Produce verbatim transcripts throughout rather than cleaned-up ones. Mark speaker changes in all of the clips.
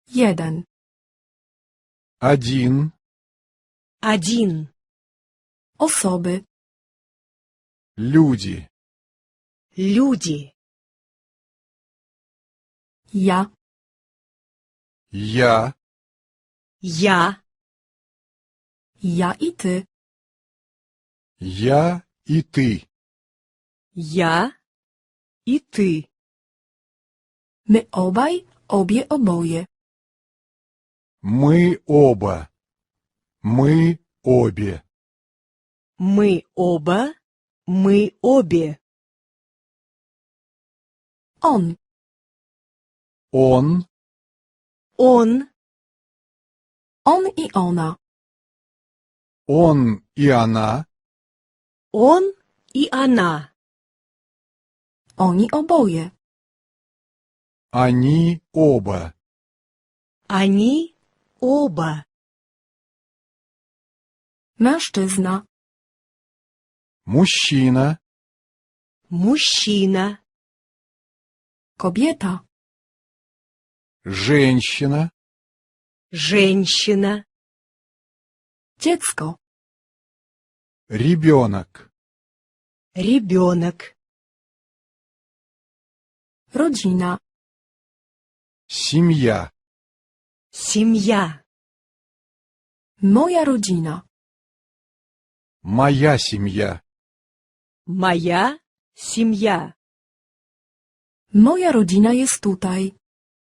Speaker 1: Jeden.
Speaker 2: Один.
Speaker 3: Один.
Speaker 1: Osoby.
Speaker 2: Люди.
Speaker 3: Люди.
Speaker 1: Ja.
Speaker 2: Я.
Speaker 3: Я.
Speaker 1: Ja i ty.
Speaker 2: Я и ты.
Speaker 3: Я и ты.
Speaker 1: My obaj, obie, oboje.
Speaker 2: Мы оба. Мы обе.
Speaker 3: Мы оба. Мы обе.
Speaker 1: On.
Speaker 2: Он.
Speaker 3: Он.
Speaker 1: On i ona.
Speaker 2: Он и она.
Speaker 3: Он и она.
Speaker 1: Oni oboje.
Speaker 2: Они оба.
Speaker 3: Они оба.
Speaker 1: Mężczyzna.
Speaker 2: Мужчина.
Speaker 3: Мужчина.
Speaker 1: Kobieta.
Speaker 2: Женщина.
Speaker 3: Женщина.
Speaker 1: Dziecko.
Speaker 2: Ребенок.
Speaker 3: Ребенок.
Speaker 1: Rodzina.
Speaker 2: Семья.
Speaker 3: Семья.
Speaker 1: Moja rodzina.
Speaker 2: Моя семья.
Speaker 3: Моя семья.
Speaker 1: Moja rodzina jest tutaj.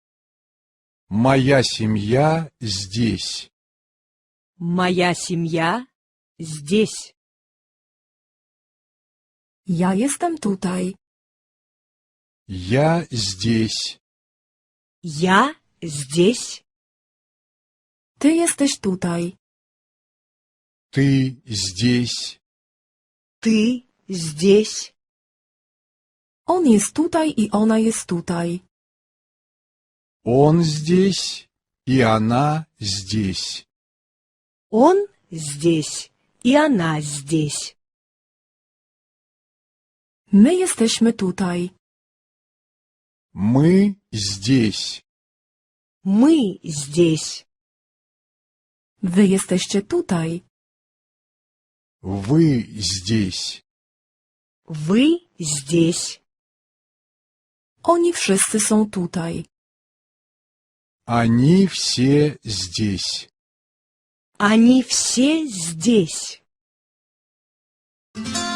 Speaker 2: Моя семья здесь.
Speaker 3: Моя семья здесь.
Speaker 1: Ja jestem tutaj.
Speaker 2: Я здесь.
Speaker 3: Я здесь.
Speaker 1: Ty jesteś tutaj.
Speaker 2: Ты здесь.
Speaker 3: Ты здесь.
Speaker 1: On jest tutaj i ona jest tutaj.
Speaker 2: Он здесь, и она здесь.
Speaker 3: Он здесь, и она здесь.
Speaker 1: My jesteśmy tutaj.
Speaker 2: Мы здесь.
Speaker 3: Мы здесь.
Speaker 1: Wy jesteście tutaj.
Speaker 2: Вы здесь.
Speaker 3: Вы здесь.
Speaker 1: Oni wszyscy są tutaj.
Speaker 2: Они все здесь.
Speaker 3: Они все здесь.